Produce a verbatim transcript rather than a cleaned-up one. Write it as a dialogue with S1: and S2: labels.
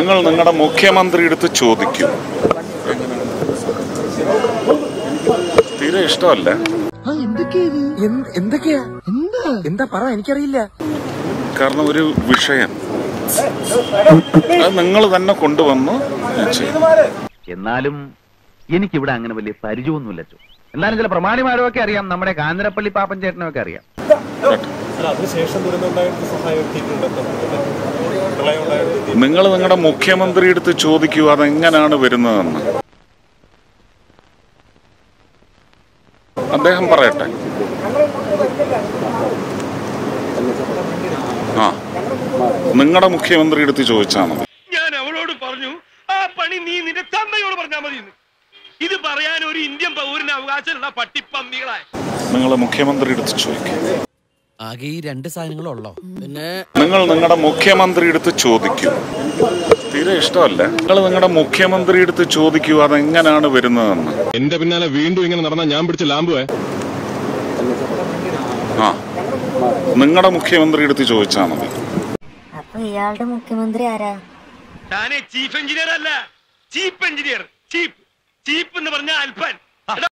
S1: നിങ്ങൾ നിങ്ങളുടെ മുഖ്യമന്ത്രി എടുത്ത് ചോദിക്കൂ. തീരെ ഇഷ്ടമല്ല.
S2: എന്താ പറ, എനിക്കറിയില്ല.
S1: കാരണം ഒരു വിഷയം അത് നിങ്ങൾ തന്നെ കൊണ്ടുവന്നു.
S3: എന്നാലും എനിക്കിവിടെ അങ്ങനെ വലിയ പരിചയമൊന്നുമില്ല. എന്നാലും ചില പ്രമാണിമാരൊക്കെ അറിയാം, നമ്മുടെ കാഞ്ഞിരപ്പള്ളി പാപ്പൻ ചേട്ടനൊക്കെ അറിയാം.
S1: നിങ്ങൾ നിങ്ങളുടെ മുഖ്യമന്ത്രി എടുത്ത് ചോദിക്കൂ അതെങ്ങനെയാണ് വരുന്നതെന്ന്. അദ്ദേഹം പറയട്ടെ. ആ നിങ്ങളുടെ മുഖ്യമന്ത്രി എടുത്ത് ചോദിച്ചാൽ മതി.
S4: ഞാൻ അവളോട് പറഞ്ഞു ആ പണി നീ നിന്റെ തന്തയോട് പറഞ്ഞാൽ മതി. ഇത് പറയാൻ ഒരു ഇന്ത്യൻ പൗരന് അവകാശമുള്ള പട്ടിപ്പന്നികളായി
S1: നിങ്ങൾ മുഖ്യമന്ത്രി എടുത്ത് ചോദിക്കും.
S2: ആകെ ഈ രണ്ട് സാധനങ്ങളുള്ളോ? പിന്നെ
S1: നിങ്ങൾ നിങ്ങളുടെ മുഖ്യമന്ത്രി എടുത്ത് ചോദിക്കൂ. തീരെ ഇഷ്ടമല്ല. നിങ്ങൾ നിങ്ങളുടെ മുഖ്യമന്ത്രി എടുത്ത് ചോദിക്കൂ അതെങ്ങനെയാണ് വരുന്നതെന്ന്.
S5: എന്റെ പിന്നാലെ വീണ്ടും ഇങ്ങനെ നടന്നാൽ ഞാൻ പിടിച്ച ലാമ്പുവേ.
S1: ആ നിങ്ങളുടെ മുഖ്യമന്ത്രി എടുത്ത് ചോദിച്ചാൽ മതി.
S6: അപ്പൊ ഇയാളുടെ മുഖ്യമന്ത്രി ആരാ?
S4: താനെ ചീഫ് എഞ്ചിനീയർ അല്ല, ചീഫ് എഞ്ചിനീയർ. ചീഫ് ചീഫ് എന്ന് പറഞ്ഞ അൽപ്പൻ.